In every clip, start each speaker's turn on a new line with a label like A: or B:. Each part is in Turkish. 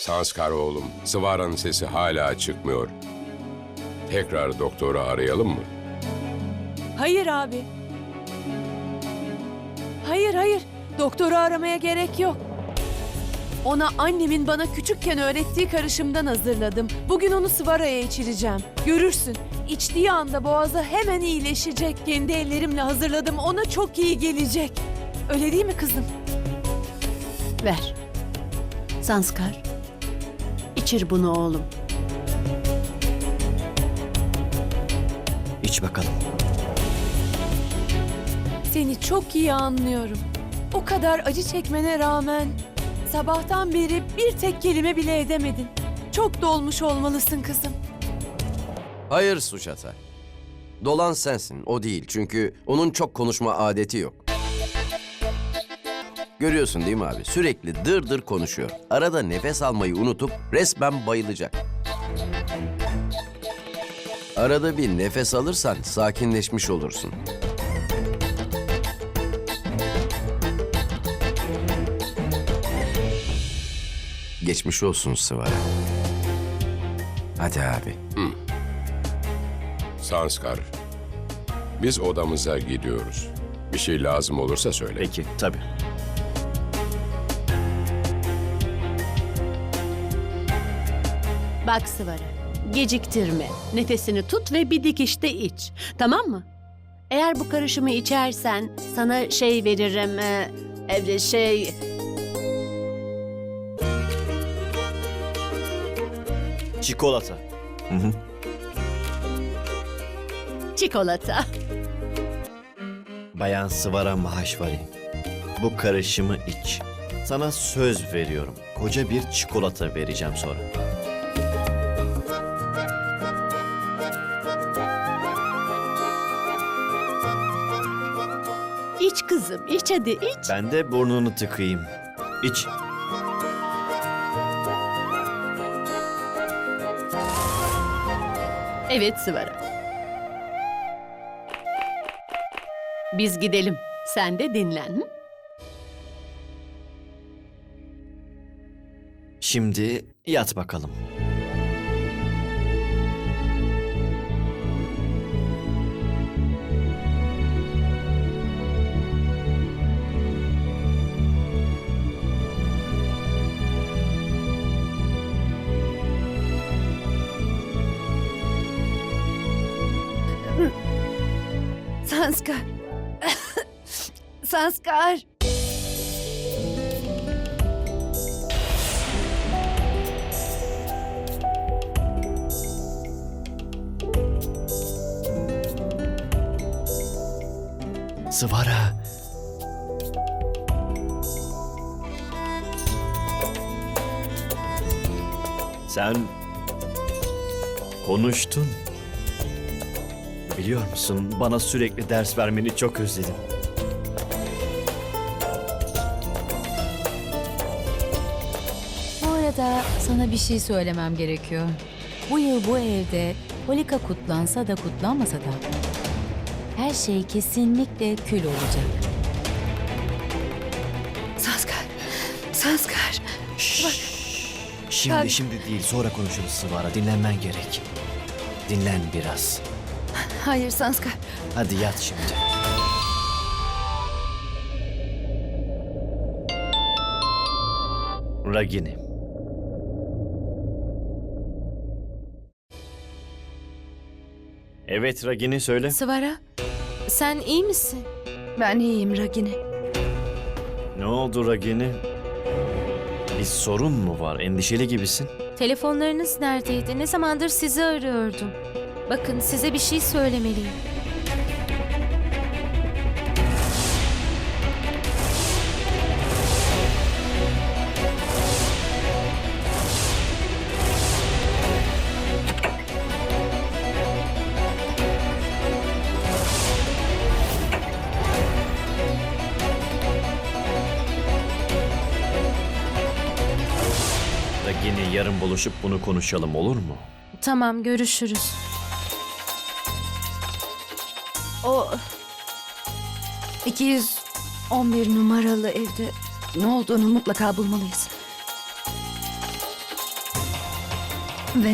A: Sanskar oğlum, Sıvara'nın sesi hala çıkmıyor. Tekrar doktoru arayalım mı?
B: Hayır abi. Hayır. Doktoru aramaya gerek yok. Ona annemin bana küçükken öğrettiği karışımdan hazırladım. Bugün onu Sıvara'ya içireceğim. Görürsün. İçtiği anda boğazı hemen iyileşecek. Kendi ellerimle hazırladım. Ona çok iyi gelecek. Öyle değil mi kızım?
C: Ver. Sanskar. İçir bunu oğlum.
D: İç bakalım.
B: Seni çok iyi anlıyorum. O kadar acı çekmene rağmen sabahtan beri bir tek kelime bile edemedin. Çok dolmuş olmalısın kızım.
E: Hayır Suçata. Dolan sensin, o değil. Çünkü onun çok konuşma adeti yok. Görüyorsun değil mi abi? Sürekli dır dır konuşuyor. Arada nefes almayı unutup resmen bayılacak. Arada bir nefes alırsan sakinleşmiş olursun. Geçmiş olsun Sıvara. Hadi abi.
A: Sanskar, biz odamıza gidiyoruz. Bir şey lazım olursa söyle.
D: Peki, tabii.
C: Bak Sıvara. Geciktirme. Nefesini tut ve bir dikişte iç. Tamam mı? Eğer bu karışımı içersen sana şey veririm.
D: Çikolata.
C: Çikolata.
D: Bayan Sıvara Mahashwari. Bu karışımı iç. Sana söz veriyorum. Koca bir çikolata vereceğim sonra.
C: İç kızım, iç hadi iç.
D: Ben de burnunu tıkayım. İç.
C: Evet Sıvara. Biz gidelim. Sen de dinlen. Hı?
D: Şimdi yat bakalım.
B: Sanskar. Sanskar.
D: Sıvara. Sen konuştun. Biliyor musun, bana sürekli ders vermeni çok özledim.
F: Bu arada sana bir şey söylemem gerekiyor. Bu yıl bu evde Holika kutlansa da kutlanmasa da her şey kesinlikle kül olacak.
B: Sanskar.
D: Şimdi değil, sonra konuşuruz Sıvara. Dinlenmen gerek. Dinlen biraz.
B: Hayır Sanskar.
D: Hadi yat şimdi. Ragini. Evet Ragini, söyle.
G: Sıvara, sen iyi misin?
B: Ben iyiyim Ragini.
D: Ne oldu Ragini? Bir sorun mu var? Endişeli gibisin.
G: Telefonlarınız neredeydi? Ne zamandır sizi arıyordum. Bakın size bir şey söylemeliyim.
D: Ragini, yarın buluşup bunu konuşalım, olur mu?
G: Tamam, görüşürüz.
B: O 211 numaralı evde ne olduğunu mutlaka bulmalıyız.
H: Ve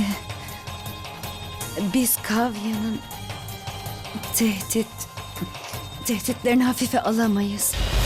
H: biz Kavya'nın tehditlerini hafife alamayız.